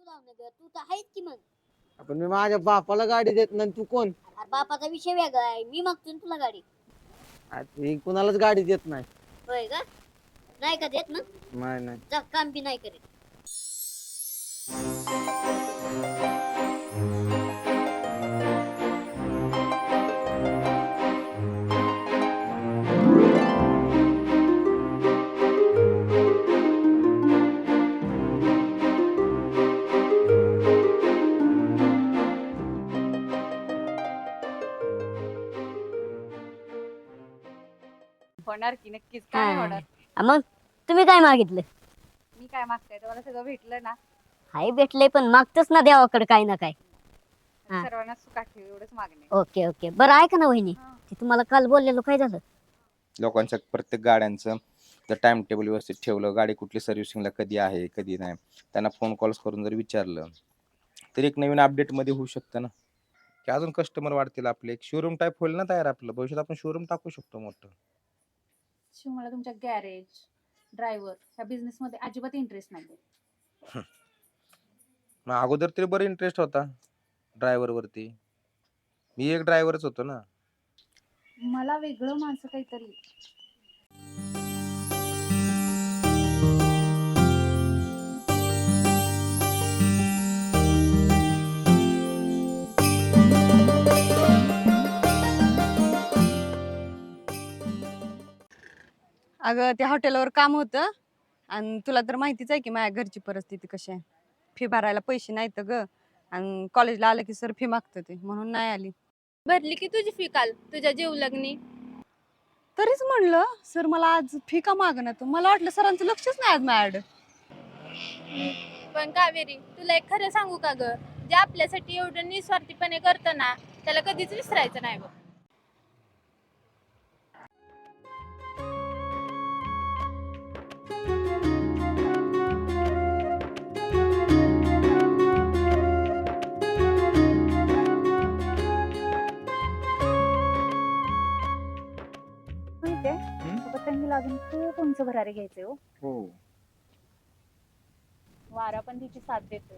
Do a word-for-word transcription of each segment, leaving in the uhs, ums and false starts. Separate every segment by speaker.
Speaker 1: लावणं ग, तू तर आहेस की मग.
Speaker 2: आपण मी माझ्या बापाला गाडी देत नाही, तू कोण?
Speaker 1: अरे बापाचा विषय वेगळा आहे, मी मागतो ना तुला गाडी.
Speaker 2: मी कुणालाच गाडी देत नाही.
Speaker 1: होय का? नाही का देत ना?
Speaker 2: नाही नाही.
Speaker 1: जा, काम बी नाही करीत.
Speaker 3: होणार की नक्कीच, काय नाही होणार.
Speaker 1: हा, मग तुम्ही काय मागितलं?
Speaker 3: मी काय मागताय, तुम्हाला सगळं भेटलं ना.
Speaker 1: हाय भेटले, पण मागतोच ना देवाकडे काय ना काय. हा.
Speaker 3: सर्वांना सुखात ठेव एवढंच मागणे.
Speaker 1: ओके ओके, बरं ऐका ना वहिनी, ते तुम्हाला काल बोललेलो काय झालं?
Speaker 4: लोकांच्या प्रत्येक गाड्यांचं जर टाइम टेबल व्यवस्थित ठेवलं, गाडी कुठली सर्व्हिसिंगला कधी आहे कधी नाही, त्यांना फोन कॉल्स करून जर विचारलं तर एक नवीन अपडेटमध्ये होऊ शकतं ना, की अजून कस्टमर वाढतील आपले. एक शोरूम टाईप होईल ना तयार आपलं. भविष्यात आपण शोरूम टाकू शकतो मोठं.
Speaker 3: शिव, मला तुमच्या गॅरेज ड्रायव्हर ह्या बिझनेस मध्ये अजिबात इंटरेस्ट नाही.
Speaker 4: मग अगोदर तरी बरं इंटरेस्ट होता ड्रायव्हर वरती. मी एक ड्रायव्हरच होतो ना.
Speaker 3: मला वेगळं माणसं काहीतरी.
Speaker 5: अगं त्या हॉटेलवर काम होतं आणि तुला तर माहितीच आहे की माझ्या घरची परिस्थिती कशी आहे. फी भरायला पैसे नाहीत ग, आणि कॉलेजला आलं की सर फी मागतं ते, म्हणून नाही आली.
Speaker 6: भरली की तुझी फी काल तुझ्या जीवलग्नी.
Speaker 5: तरीच म्हणलं सर मला आज फी का मागणार, मला वाटलं सरांचं लक्षच नाही आज माझ्याकडं.
Speaker 6: पण कावेरी, तुला एक खरं सांगू का ग, जे आपल्यासाठी एवढं निस्वार्थीपणे करतं ना त्याला कधीच विसरायचं नाही बघ.
Speaker 3: पतंगीला अजून खूप उंच भरारी घ्यायचे हो.
Speaker 4: हो.
Speaker 3: वारा पण तिची साथ देतोय,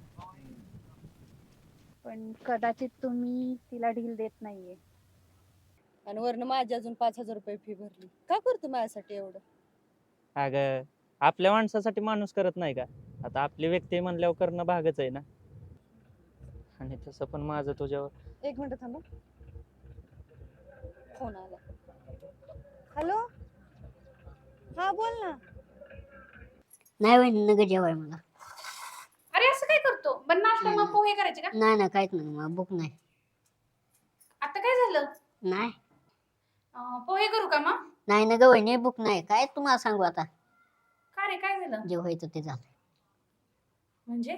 Speaker 3: पण कदाचित तुम्ही तिला ढील देत नाहीये.
Speaker 5: आणि वरनं माझी अजून पाच हजार रुपये फी भरली. का करतो माझ्यासाठी एवढं?
Speaker 7: अगं आपल्या माणसासाठी माणूस करत नाही का? आता आपली व्यक्ती म्हणल्यावर करणं भागच आहे ना. आणि तसं पण माझं तुझ्यावर.
Speaker 5: एक मिनिट थांबा, फोन आला. हॅलो, हा बोल ना.
Speaker 1: नाही वहिनी, नग जेवाय मला.
Speaker 3: अरे असं काय करतो? पण नाश्ता मग पोहे करायचे का?
Speaker 1: नाही ना, काहीच नाही, मला भूक नाही.
Speaker 3: आता काय झालं?
Speaker 1: नाही
Speaker 3: पोहे करू का मग?
Speaker 1: नाही ना ग वहिनी, भूक नाही. काय तुम्हाला सांगू आता,
Speaker 3: का रे, काय झालं?
Speaker 1: जे व्हायचं ते झालं.
Speaker 3: म्हणजे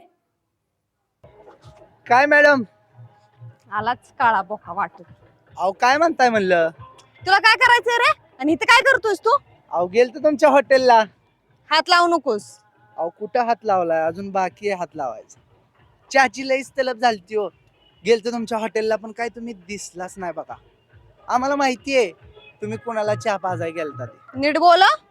Speaker 2: काय मॅडम?
Speaker 5: आलाच काळा बोका वाटत.
Speaker 2: अहो काय म्हणताय म्हणलं?
Speaker 5: तुला काय करायचंय रे, आणि इथं काय करतोस तू?
Speaker 2: अहो गेलतो तुमच्या हॉटेलला.
Speaker 5: हात लावू नकोस.
Speaker 2: अहो कुठं हात लावलाय? अजून बाकी आहे हात लावायचा. चहाची लईच तलब झालती हो. गेलतो तुमच्या हॉटेलला, पण काय तुम्ही दिसलाच नाही बघा. आम्हाला माहिती आहे तुम्ही कोणाला चहा पाजाय गेलता ते.
Speaker 5: नीट बोला.